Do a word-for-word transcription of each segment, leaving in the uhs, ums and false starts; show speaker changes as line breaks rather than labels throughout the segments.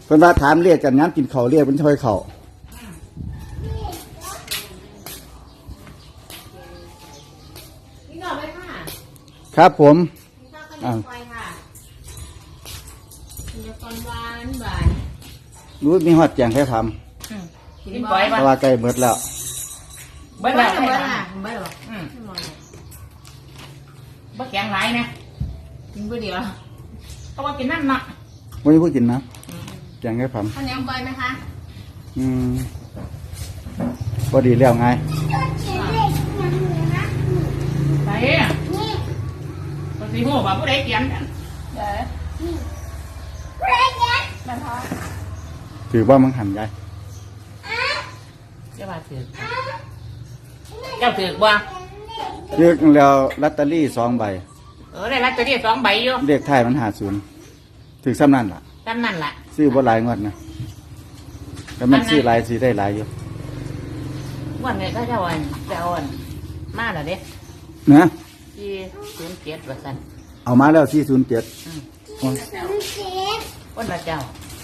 เพิ่นว่าถามเรียกกันงั้นกินข้าวเรียกเป็นช่วยข้าว
นี่ก่อนไหมค่ะ
ครับผม
อ่าค่ะมีตอนหวานหวาน
รู้มีฮอดแจงแค่ทำ
กินบ่อยป่ะ
แต่ว่าใกล้หมดแล้ว
เบิดแล้วเบิดแล้วเบิดแล้วอืมบ่แข็งหลายนะกินบ่เดียวเพราะว่ากินนั่นน่ะ
วันนี้พูดกินนะแจงแค่ทำ
ข้าวเหนียวบ่อยไหมคะ
อืมพอดีแล้วไง
ไปนี่ปกติหัวว่าผู้ใดเขียนกันเด้อผู้ใดเขียนมันพอ
ถือว่ามึงหันยาย
เจ้าว่าถือเจ้าถือบ่
เรียกแล้วลอตเตอรี่สองใบ
เออได้ลอตเตอรี่สองใบอยู่
เรียกไทยมันหาศูนย์ถือซ้ำนั่นล่ะ
ซ้ำนั่นล่ะ
ซื้อบ่หลายงวดนะแต่มันซื้อหลายซื้อได้หลายอยู่
วันนี้ก็จะวันจะวันมาแล้วเด้
นะ
ที่ศูนย์เจ็ดว่าซั่น
เอามาแล้วสี่ศูนย์เจ็ด
วันละเจ้า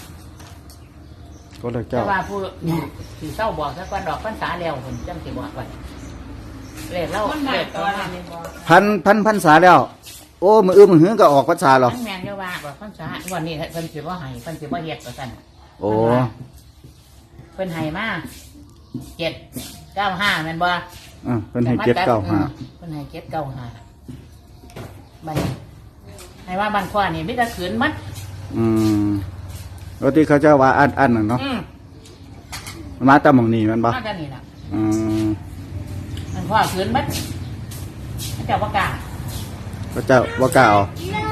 ก็เลยเจ้า
แต่ว่าผู้ที่เศร้าบอกซะก่อนดอกพรรษาแล้วเพิ่นจังสิบอกว่าเลขเล่าเลขตอนนี้
พันพันพันษาแล้วโอ้มืออื้อมือหื้อก็ออกพรรษาหรอ
แม่นเยาว่าบอกพรรษาวันนี้เพิ่นสิบ่ให้เพิ่นสิบ่เฮ็ดว่าซั่น
โอ้
เพิ่นให้มาเจ็ดเก้าห้าแม่นบ่
อ่าเพิ่นให้เจ็ดเก้าห้า
เพิ่นให้เจ็ดเก้าห้าบัดให้ว่าบ้านขวานี่มีแต่ขืนมัด
อืมแล้วที่เขาจะว่าอันอันน่ะเนาะมาตามหม่องนี้แม่นบ่
มาตามนี่ล่ะ
อืม
มันขวาขืนมัดเจ้าบ่กล้า
พระเจ้าบ่กล้าเอา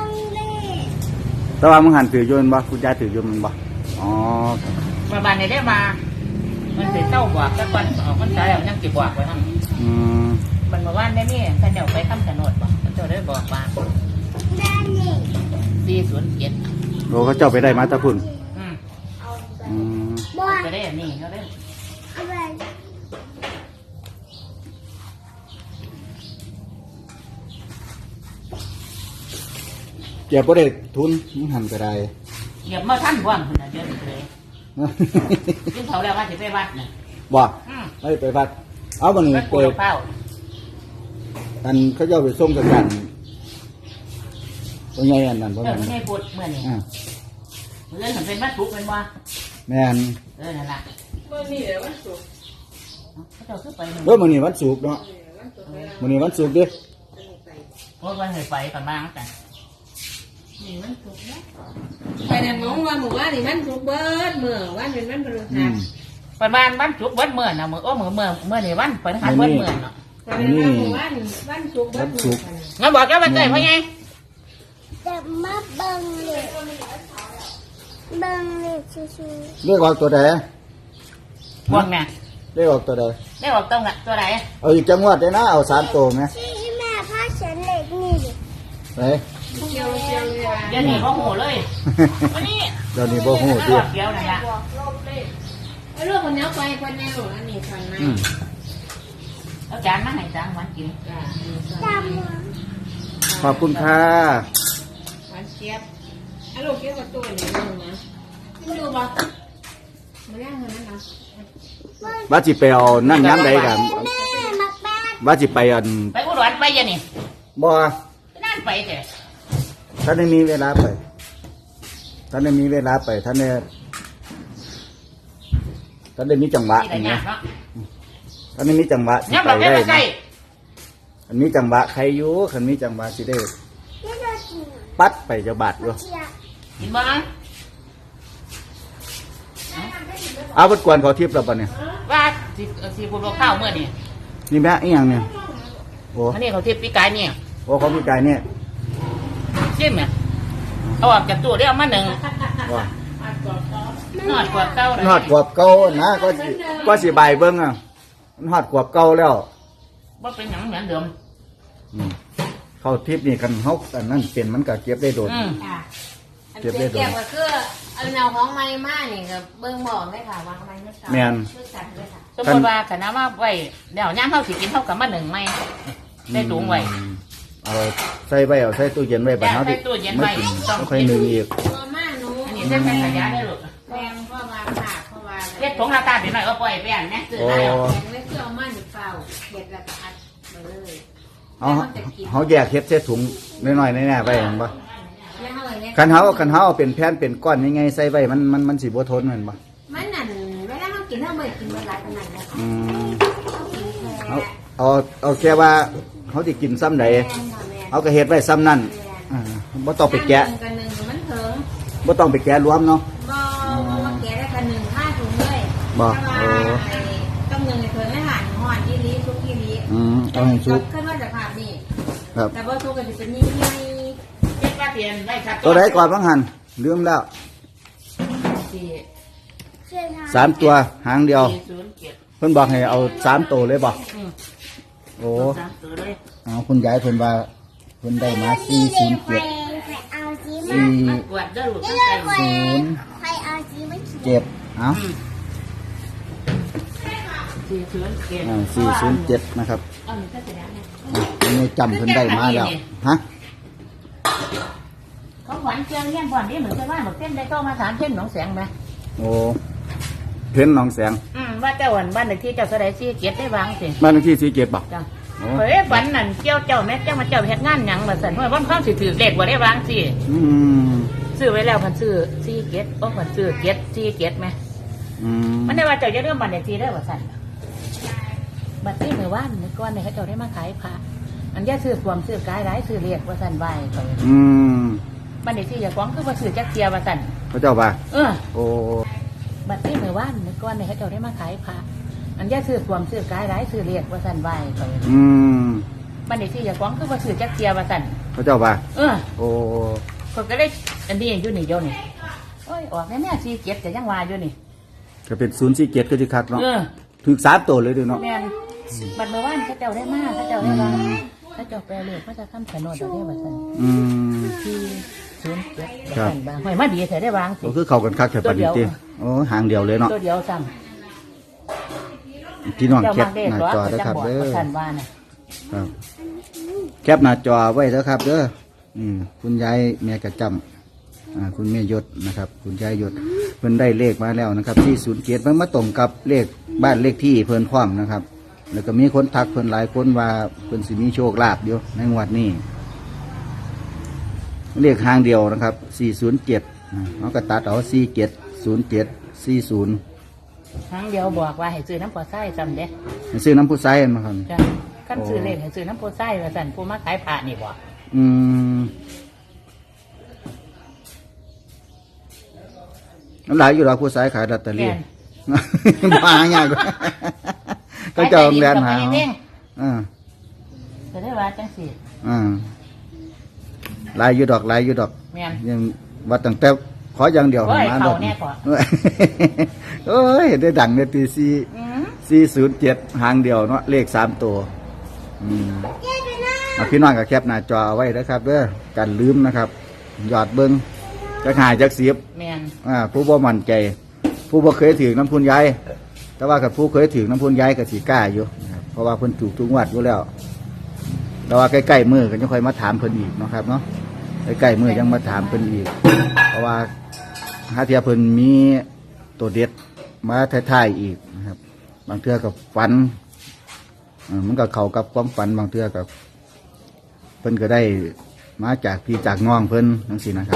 แต่ว่ามึงหันถือโยนบ่คุณยายถือโยนมันบ่อ๋อ
มาบ้านนี่ได้มามันสิเศร้าบอกซะก่อนออกพรรษาแล้วยังสิบอกไว้นำ
อืม
มันเมื่อวานได้มีท่านเจ้าไปคำชะโนดบ่ท่านเจ้าได้บอกว่าสี่ศูนย์เจ็ด
โอ้เขาเจ้าไปได้มาตะพุ่น
อืม
อืม
จะได้อันนี้เขาได้
เก็บบ่ได้ทุนมึงหันก็ได้
เหยียบมาท่านว่างคนน่ะเดี๋ยวนี้เลยยิ่งเขาแล้วว่าสิไปวัดน่ะ
บ่ไม่ไปวัดเอาบัดนี้เปิดอันเขาเจ้าไปส่งกันกันตัวใหญ่อันนั้นบ่
แม่น
แม่น
ไม่พูดเมื่อนี้อ่าเรื่องมันเป็นวัดศุกร์เป็นบ่
แม่น
เออนั่นล่ะมื้อนี้แหละวันศุกร์เขาเจ้าคือไป
เด้อมื้อนี้วันศุกร์เนาะมื้อนี้วันศุกร์เด้อ
บ่วันให้ไปกันมาจังนี่มันศุกร์นะ
ไปนั่นงงว่าหมู่บ้านนี่มันศุกร์เบิดมื้อวันเป็นวันพฤหัส
ประมาณวันศุกร์เบิดมื้อน่ะมื้อโอ้มื้อมื้อมื้อนี่วันพฤหัสเบิดมื้อเนาะ
นี่วันวันศุกร์เบิดมื้อ
งั้นบอกแล้ววันเกิดพ่อไง
จะมาเบิ่งเลยเบิ่งเลยชิว
ๆเรียกออกตัวใด
พวกแม่
เรียกออกตัวใด
เรียกออกตรงน่ะตัวใด
เอาอีกจังหวัดได้นะเอาสามตัวมั้ย
ที่แม่พาฉันเล็กนี่ดิ
ไป
เกี่ยวเกี่ยวเลย
เดี๋ยวนี้บ่ฮู้เลยวันนี้
เดี๋ยวนี้บ่ฮู้ติ
เดี๋ยวนั่นล่ะ
ไอ้ลูกคนนี้ไปคนนี้ลูกอันนี้ฟังไหม
เอาจานมาให้จานมันกิน
จำ
ขอบคุณค่ะ
หวานเจี๊ยบไอ้ลูกเกี่ยวกับตัวนี้นึงนะไม่ดูบ่มาย่างเงินนั่นนะ
ว่าสิไปเอานั่นย้ำใดกันว่าสิไปอัน
ไปอุดรไปยังนี่
บ่
นั่นไปแต่
ท่านได้มีเวลาไปท่านได้มีเวลาไปท่านได้ท่านได้มีจังหวะอย่างเงี้ยท่านได้มีจังหวะสิไปได้นะคันมีจังหวะใครอยู่คันมีจังหวะสิได้ปัดไปจะบาดอยู่
เห็นบ่
เอาบทกวนเขาทิพย์เราปะเนี่ย
ว่าสิสิบุญข้าวเมื่อนี่
นี่แม่อีหยังเนี่ยโอ้
อันนี้เขาทิพย์ปีกายเนี่ย
โอ้เขาปีกายเนี่ย
ชิมเนี่ยเอาออกจากตู้ได้เอามาหนึ่ง
ว่า
หอดกวบเก่า
หอดกวบเก่านะก็ก็สิใบเบิ้งอ่ะมันหอดกวบเก่าแล้ว
ว่าเป็นหยังเหมือนเดิม
เขาทิพย์นี่กันเขาอันนั้นเป็นมันก็เก็บได้โดน
เก็บได้โดนก็คือเอาแนวของไม้มานี่ก็เบิ่งบอกได้ค่ะวางไม้ไม่ใช่
แม่น
สมมติว่าขณะว่าไว้เดี๋ยวย่างเขาสิกินเท่ากับมาหนึ่งไม้ได้ถุงไว้
เอาใส่ไว้เอาใส่ตู้เย็นไว้บ้านเขาดิ
ใส่ตู้เย็นไว้
ต้องค่อยนึ่งอีก
อันนี้ใส่ใส่ขยะได้หรอ
แม่
เฮ็ดผงลาตาเป็นหน่อยก็ปล่อยไปอ่ะแม่ซื้อได้เอา
แกงเล็กเสื้อมันอีกเปล่าเด็ดแล้วก็อัดมาเลย
เอาเขาแยกเฮ็ดใส่ถุงน้อยๆแน่ๆไปเห็นปะ
แล้วเอาเลย
คันเขาคันเขาเอาเป็นแผ่นเป็นก้อนยังไงใส่ไว้มันมันมันสิบ่ทนเหมือนปะ
มันนั่นเวลาเรากินเราไม่กินเวลาขนาดนั้น
อืม
เอา
เอาเอาเอาแค่ว่าเขาสิกินซ้ำใดเอาก็เฮ็ดไว้ซ้ำนั่นอ่าบ่ต้องไปแกะ
กันหนึ่งมันเถิง
บ่ต้องไปแกะรวมเนาะ
บ่มาแกะได้กันหนึ่งห้าถุงเลย
บ่
โอ้ต้องหนึ่งเถิงให้หลานห่อนที่นี้ทุกที่นี้
อืมเอาให้สุก
ขึ้นว่าจะผ่านนี่
ครับ
แต่ว่าทุกกันจะเป็นยี่ยี่
เฮ็ดว่าเตียนได้ครับ
ตัวใดก่อนบ้างหันลืมแล้ว
สี่
เชื่อทาง
สามตัวหางเดียว
สี่ศูนย์เจ็ด
เพิ่นบอกให้เอาสามตัวเลยบ่
อืม
โอ้
สามตัวเลย
เอาคุณยายเพิ่นว่าเพิ่นได้มาสี่ศูนย์
ใคร
เจ็ด
ใครเอาสีมา
สี่
มันปวดเด้อลูก
เลื
ตั้ง
อก
ใจ
ใคร
ศูนย์
ใครเอาสีมาเขียน
เจ็ดเอา
อืมสี่ศูนย์เจ็ด
อ่าสี่ศูนย์เจ็ดนะครับ
เอาหนึ่งก็เสร็จแล้วเนี่ย
อ่ะอันนี้จำเพิ่นได้มาแล้วฮะ
เขาหวานเชียงเลี้ยงบ่อนนี่เหมือนจะว่าหมดเส้นได้เข้ามาถามเส้นหนองแสงไหม
โอ้เพ้นหนองแสง
อืมว่าเจ้าวันบ้านเลขที่เจ้าแสดงซี่เกียรติได้วางสิ
บ้านเลขที่สี่เจ็ดบ่
จ้ะ
โอ้
เฮ้ยฝันนั่นเจ้าเจ้าแม่เจ้ามาเจ้าเฮ็ดงานหยังมาสั่นเพราะว่าความสิถือเลขบ่ได้วางสิ
อืม
ซื้อไว้แล้วพันซื้อซี่เกียรติโอ้พันซื้อเกียรติซี่เกียรติไหม
อืม
มันได้ว่าเจ้าจะเริ่มบ้านเลขที่ได้ว่าสั่นบัดนี้เมื่อวานเมื่อก่อนเนี่ยเขาเจ้าได้มาขายผ้าอันนี้ซื้อความซื้อกายร้ายซื้อเลขว่าสั่นไหวเขา
อืม
บ้านเลขที่อย่าฟ้องคือว่าซื้อจักเทียว่าสั่น
พระเจ้าว่า
เออ
โอ้
บัดนี้เมื่อวานเมื่อก่อนเนี่ยเขาเจ้าได้มาขายผ้าอันนี้ซื้อความซื้อกายร้ายซื้อเลขว่าสั่นไหวเขา
อืม
บ้านเลขที่อย่าฟ้องคือว่าซื้อจักเทียว่าสั่น
พระเจ้าว่า
เออ
โอ้
คนก็ได้อันนี้อยู่นี่เดียวนี่โอ้ยออกแน่ๆซี่เกียรติแต่ยังว่าอยู่นี่
ก็เป็นศูนย์สี่เจ็ดก็จะคักเนาะ
เออ
ถึกสามตัวเลยเดูเนาะ
แม่นบัดเมื่อวานเขาเจ้าได้มาเขาเจ้าได้มาเขาเจ้าแปลเลยเขาจะข้ามถนนเดี๋ยวได้ว่าสั่น
อืม
ที่ศูนย์เจ็ด
ครับ
สั่นบางหอยมาดีแต่ได้วางสิ
ก็คือเข้ากันคักแค่ปานนี้ติโอ้หางเดียวเลยเนาะ
ตัวเดียวสั่ง
พี่น้อง
เจ้า
แค
มา
ป
เด็ก
หน้า
หรอ
จอ
เขา
เด้อ
จะ
ครับ
บอก
เด้อ
ว่าสั่นว่าน่ะ
ครับแคปหน้าจอไว้เด้อครับเด้ออืมคุณยายแม่กระจำอ่าคุณแม่ยศนะครับ คุณยายยศเพิ่นได้เลขมาแล้วนะครับที่ศูนย์เจ็ดมันมาตรงกับเลขบ้านเลขที่เพิ่นพร้อมนะครับ แล้วก็มีคนทักเพิ่นหลายคนว่าเพิ่นสิมีโชคลาภอยู่ในงวดนี้เลขหางเดียวนะครับสี่ศูนย์เจ็ดเขาก็ตัดเอาสี่เจ็ดศูนย์เจ็ดสี่ศูนย์
ครั้งเดียวบอกว่าให้ซื้อน้ำปลาไส้จำเด้
ซื้อน้ำผู้ไซมาครับ
จ้ะขั้นซื้อเลขให้ซื้อน้ำปลาไส้ว่าสั่นผู้มาขายผ้านี่บอก
อืมน้ำหลายอยู่หรอกผู้ไซขายลอตเตอรี่ มาง่ายกว่าก็จะเอาแรงหา
ขยได้ดีกับไปเอง
อ่า
จะได้ว่าจังสิ
อ่าหลายอยู่ดอกหลายอยู่ดอก
แม่น
ยังว่าตั้งแต่ขออย่างเดียว
โอ้ย
มา
เขา
ดอก
แน่กว่า
โอ้ยได้ดังในตีซี
อืม
สี่ศูนย์เจ็ดหางเดียวเนาะเลขสามตัวอืมเอาพี่น้องกับแคปหน้าจอเอาไว้นะครับเด้อกันลืมนะครับหยอดเบิ้งจะหายจากเสียบ
แม่น
อ่าผู้บ่มั่นใจ ผู้บ่เคยถือน้ำพุนยายแต่ว่ากับผู้เคยถือน้ำพุนยายกับสีกล้าอยู่นะครับเพราะว่าเพิ่นถูกทุกงวดอยู่แล้วแต่ว่าใกล้ๆมือก็ยังค่อยมาถามเพิ่นอีกเนาะครับเนาะใกล้ๆมือยังมาถามเพิ่นอีก เพราะว่าหาเทียเพิ่นมีตัวเด็ดมาท้ายๆอีกนะครับ บางเทื่อกับฝันอ่ามันก็เข้ากับความฝันบางเทื่อกับเพิ่นก็ได้มาจากพี่จากน้องเพิ่นทั้งสี่นะครับ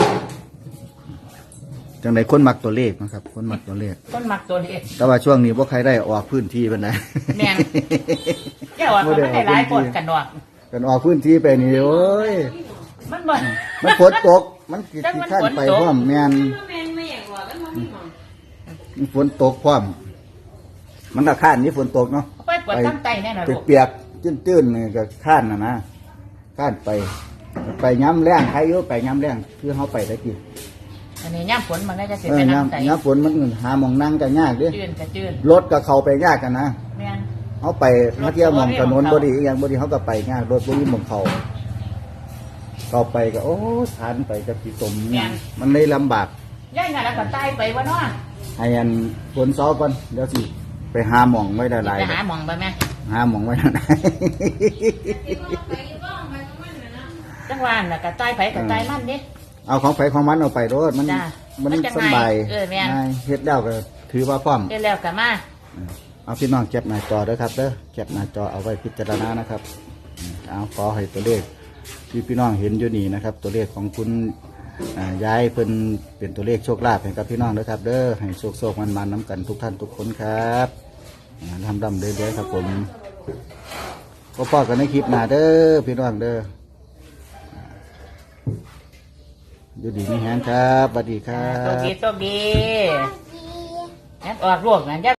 จังไดคนมักตัวเลขนะครับ คนมักตัวเลข
ต้นมักตัวเล็ก
แต่ว่าช่วงนี้ว่าใครได้ออกพื้นที่เป็นได
แม่น แก้วอ่ะมันไม่ได้หลายคนกันดอก
กันออกพื้นที่ไปนี่โอ้ย
มันบ่
มันฝนตก มันกี่
จังมัน
ขั้น
ฝน
ไป
ตก
พร้อมแมน
แม่ไม่อยากว่าแล้วมันมีหมอง
มันฝนตกพร้อม มันก็ข้านนี้ฝนตกเนาะ
ไปปวดตั้งใจแน่นอนลูก
เปียกๆตื้นๆนี่ก็ข้านนะนะข้านไป ไปย้ำแรงใครอยู่ไปย้ำแรงคือเขาไปได้กี่
อันนี้ย่ำฝนมันก็จะเสีย
เอ
ไป
อ
น้ำใส
ย้ำย้ำฝนมันหาหมองนั่งกันยากเดิ
จืนกระจืน
รถก็เข้าไปยากกันนะ
แม่น
เขาไปมาเที่ยวหมองถนนบดีอหย่างบดีเขาก็ไปยากรถบดีหมองเขาเข้าไปก็โอ้ทานไปกับพี่ตมเนี่ยมันเลยลำบาก
ย่ายงานแล้วก็ตายไปวะเนาะ
ให้อันฝนซ้อก่อนเดี๋ยวสิไปหาหมองไว้ได้หลาย
ไปหาหมองไปไหม
หาหมองไว้ได้หลาย
จังหวะน่ะก็ตายไปก็ตายมันเด้
เอาของไฟของมันเอาไปรถมัน
จ้ะ
มัน
มันจะ
สบาย
ง่ายเออแม่น
ง่ายเฮ็ดแล้วก็เทถือว่าพร้อม
เฮ็ดแล้วก็มา
เอาพี่น้องแคปหน้าจอเด้อครับเด้อแคปหน้าจอเอาไว้พิจารณานะครับอืมเอาขอให้ตัวเลขที่พี่น้องเห็นอยู่นี่นะครับ ตัวเลขของคุณอ่ายายเพิ่นเป็นตัวเลขโชคลาภให้กับพี่น้องเด้อครับ เด้อให้โชคโชคมันมันน้ำกันทุกท่านทุกคนครับอ่าทำดำเรื่อยๆครับผมก็พอกันในคลิปหน้าเด้อพี่น้องเด้ออยู่ดีมีแฮงครับสวัสดีครั
โชค
บ
ดีโชคดี
ดี
งั้นออกลูกนั่น